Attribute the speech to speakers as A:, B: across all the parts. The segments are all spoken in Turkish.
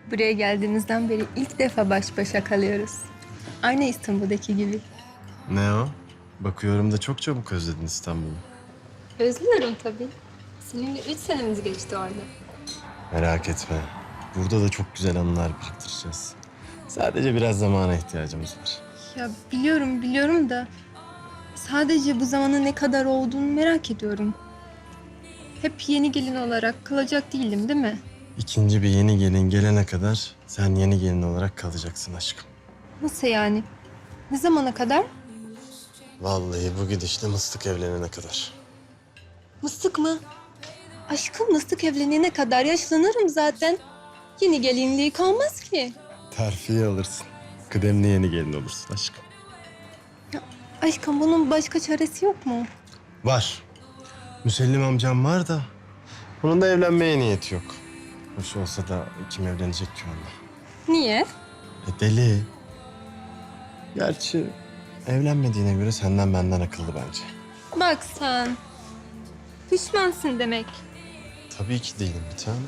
A: Buraya geldiğimizden beri ilk defa baş başa kalıyoruz. Aynı İstanbul'daki gibi.
B: Ne o? Bakıyorum da çok çabuk özledin İstanbul'u.
A: Özlüyorum tabii. Seninle 3 senemiz geçti orada.
B: Merak etme. Burada da çok güzel anılar biriktireceğiz. Sadece biraz zamana ihtiyacımız var.
A: Ya biliyorum da... Sadece bu zamanın ne kadar olduğunu merak ediyorum. Hep yeni gelin olarak kalacak değilim değil mi?
B: İkinci bir yeni gelin gelene kadar sen yeni gelin olarak kalacaksın aşkım.
A: Nasıl yani? Ne zamana kadar?
B: Vallahi bu gidişle Mıstık evlenene kadar.
A: Mıstık mı? Aşkım mıstık evlenene kadar yaşlanırım zaten. Yeni gelinliği kalmaz ki.
B: Terfiye alırsın. Kıdemli yeni gelin olursun aşkım.
A: Aşkım bunun başka çaresi yok mu?
B: Var. Müsellim amcam var da onun da evlenmeye niyeti yok. Hoş olsa da kim evlenecek ki onunla?
A: Niye?
B: Deli. Gerçi evlenmediğine göre senden benden akıllı bence.
A: Bak sen. Pişmansın demek.
B: Tabii ki değilim bir tane.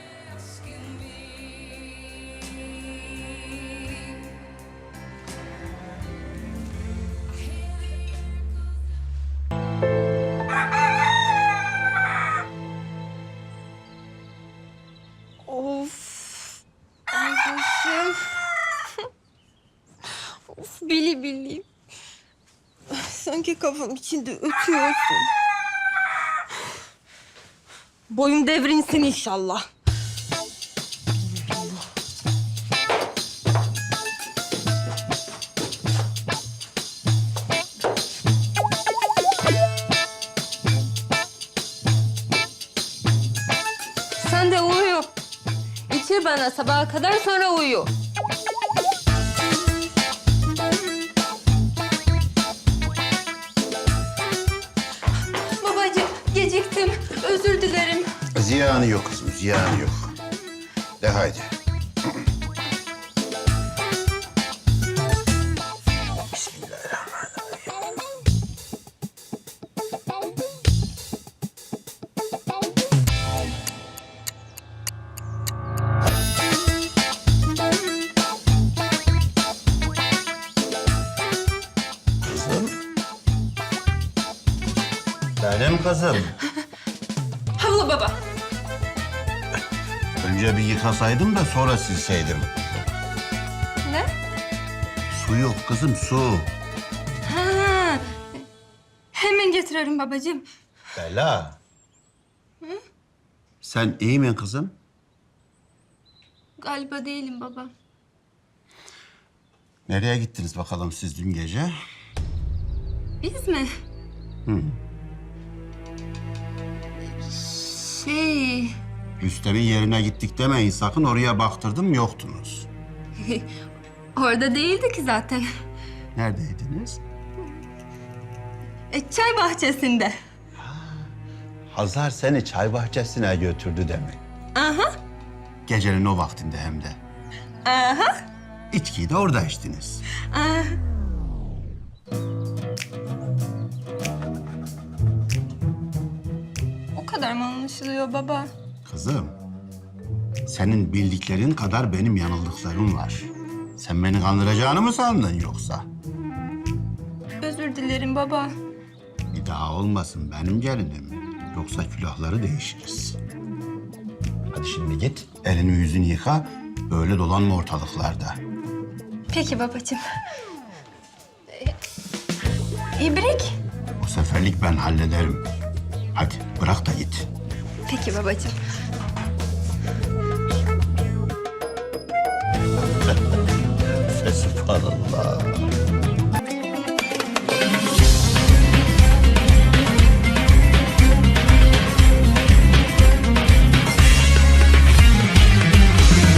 A: Of. Ay başım. Of bili. Sanki kafam içinde ötüyorsun. Boyum devrinsin inşallah. Sen de uyu. İçir bana sabaha kadar sonra uyu. Babacığım geciktim. Özür dilerim.
C: Ziyanı yok kızım, ziyanı yok. De haydi. Bismillahirrahmanirrahim. Kızım. Benim kızım.
A: Havla baba.
C: Önce bir yıkasaydım da sonra silseydim.
A: Ne?
C: Su yok kızım, su.
A: Ha. Hemen getiririm babacığım.
C: Bela. Sen iyi mi kızım?
A: Galiba değilim baba.
C: Nereye gittiniz bakalım siz dün gece?
A: Biz mi? Şey...
C: Rüstem'in yerine gittik demeyin sakın, oraya baktırdım yoktunuz.
A: Orada değildi ki zaten.
C: Neredeydiniz?
A: Çay bahçesinde.
C: Hazar seni çay bahçesine götürdü demek.
A: Aha.
C: Gecenin o vaktinde hem de.
A: Aha.
C: İçkiyi de orada içtiniz.
A: Aha. O kadar mı anlaşılıyor baba?
C: Kızım, senin bildiklerin kadar benim yanıldıklarım var. Sen beni kandıracağını mı sandın yoksa?
A: Özür dilerim baba.
C: Bir daha olmasın benim gelinim. Yoksa külahları değişiriz. Hadi şimdi git, elini yüzünü yıka. Böyle dolanma ortalıklarda.
A: Peki babacığım. İbrik.
C: Bu seferlik ben hallederim. Hadi bırak da git.
A: Peki babacığım.
C: Subhanallah.